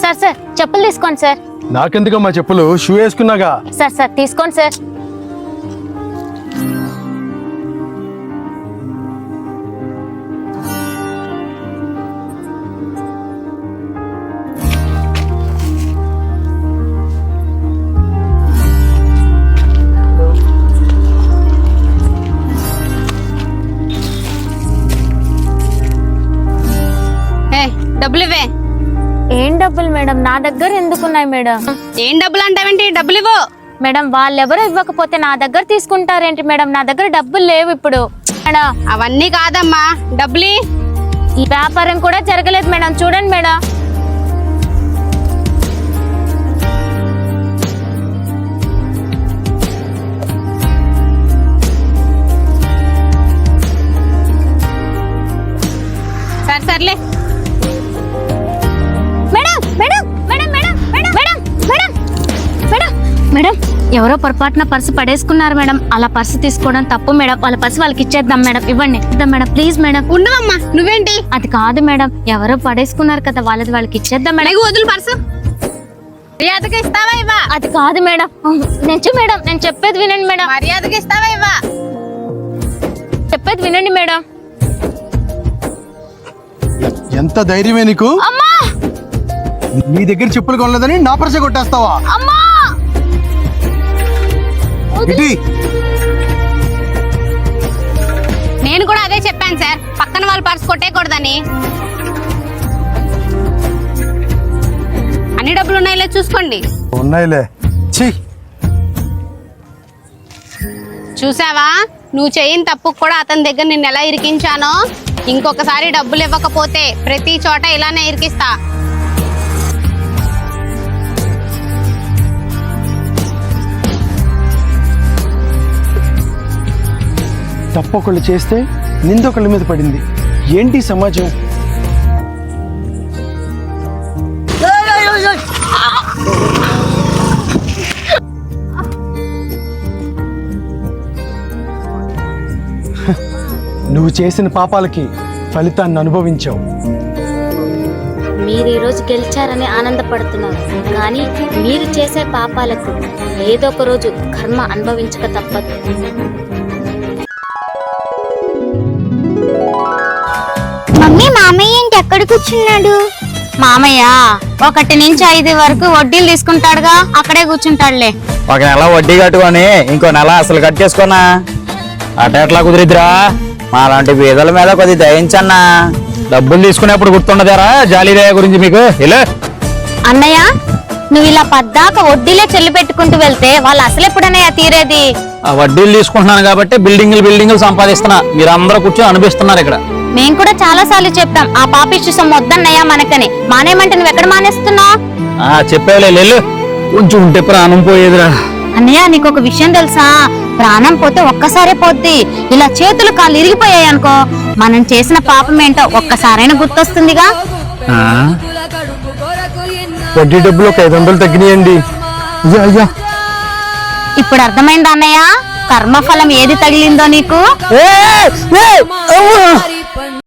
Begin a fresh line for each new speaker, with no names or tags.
Sir sir చెప్పులు తీసుకోండి sir.
నాకెందుకమ్మా చెప్పులు? షూ వేసుకున్నాగా.
సార్ సార్ తీసుకోండి సార్.
డబ్బులు ఇవ్వే.
ఏం డబ్బులు మేడం? నా దగ్గర ఎందుకున్నాయి మేడం?
ఏం డబ్బులు అంటావేంటి? డబ్బులు ఇవ్వు.
మేడం వాళ్ళెవరో ఇవ్వకపోతే నా దగ్గర తీసుకుంటారేంటి మేడం? నా దగ్గర డబ్బులు లేవు ఇప్పుడు మేడం.
అవన్నీ కాదమ్మా, డబ్బులు.
ఈ వ్యాపారం కూడా జరగలేదు మేడం, చూడండి మేడం.
సరే సర్లే.
మేడం ఎవరో పొరపాటున పర్సు పడేసుకున్నారు మేడం. అలా పర్సు తీసుకోవడం తప్పు మేడం. వాళ్ళ పర్సు వాళ్ళకి ఇచ్చేద్దాం మేడం. ఇవ్వండి. ఇద్దాం మేడం, ప్లీజ్ మేడం.
ఉండవమ్మా, నువ్వేంటి?
అది కాదు మేడం, ఎవరో పడేసుకున్నారు కదా, వాళ్ళది వాళ్ళకి ఇచ్చేద్దాం మేడం.
వదులు పర్సు. మర్యాదగా ఇస్తావా ఇవ్వా?
అది కాదు మేడం. మేడం నేను చెప్పేది వినండి మేడం.
మర్యాదగా ఇస్తావా ఇవ్వా?
చెప్పేది వినండి మేడం.
ఎంత ధైర్యమే నీకు?
అమ్మా,
నీ దగ్గర చెప్పులు కొనలేదని నా పర్స కొట్టేస్తావా?
అమ్మా
నేను కూడా అదే చెప్పాను సార్, పక్కన వాళ్ళు పర్స్ కొట్టేయకూడదని. అన్ని డబ్బులు ఉన్నాయిలే చూసుకోండి.
ఉన్నాయిలే.
చూసావా, నువ్వు చేయని తప్పు కూడా అతని దగ్గర నిన్ను ఎలా ఇరికించానో. ఇంకొకసారి డబ్బులు ఇవ్వకపోతే ప్రతి చోట ఇలానే ఇరికిస్తా.
తప్పొకళ్ళు చేస్తే నిందొకళ్ళ మీద పడింది. ఏంటి సమాజం? నువ్వు చేసిన పాపాలకి ఫలితాన్ని అనుభవించావు.
మీరు ఈరోజు గెలిచారని ఆనందపడుతున్నారు, కానీ మీరు చేసే పాపాలకు ఏదో ఒక రోజు కర్మ అనుభవించక తప్పదు.
మమ్మీ, మామయ్య ఏంటి ఎక్కడ కూర్చున్నాడు?
మామయ్య 1 నుంచి 5 వరకు వడ్డీలు తీసుకుంటాడుగా, అక్కడే కూర్చుంటాడులే.
ఒక నెల వడ్డీ కట్టుకొని ఇంకో నెల అసలు కట్టేసుకోనా? అట ఎట్లా కుదిరిద్దిరా? మా లాంటి పేదల మీద కొద్ది దయించన్నా. డబ్బులు తీసుకునేప్పుడు గుర్తుండదారా జాలీదయ గురించి మీకు?
అన్నయ్య, నువ్వు ఇలా పద్దాక వడ్డీలే చెల్లి పెట్టుకుంటూ వెళ్తే వాళ్ళు అసలు ఎప్పుడన్నయ్య తీరేది?
ఆ వడ్డీలు తీసుకుంటున్నాను కాబట్టి బిల్డింగులు సంపాదిస్తున్నా. మీరు అందరూ కూర్చొని అనిపిస్తున్నారు ఇక్కడ.
మేము కూడా చాలా సార్లు చెప్పాం ఆ పాపిష్టి సొమ్ము వద్దన్నయ్యా మనకని. మానేమంటే నువ్వు ఎక్కడ మానేస్తున్నావు?
చెప్పేవాళ్ళు కొంచెం ఉంటే ప్రాణం పోయేదిరా.
అన్నయ్య, నీకు ఒక విషయం తెలుసా? ప్రాణం పోతే ఒక్కసారే పోద్ది. ఇలా చేతులు కాళ్ళు ఇరిగిపోయాయి అనుకో, మనం చేసిన పాపం ఏంటో ఒక్కసారైనా గుర్తొస్తుందిగా.
వడ్డీ డబ్బులు ఒక 500 తగ్గినాయండి. అయ్యా,
ఇప్పుడు అర్థమైందా అన్నయ్య కర్మఫలం ఏది తగిలిందో నీకు?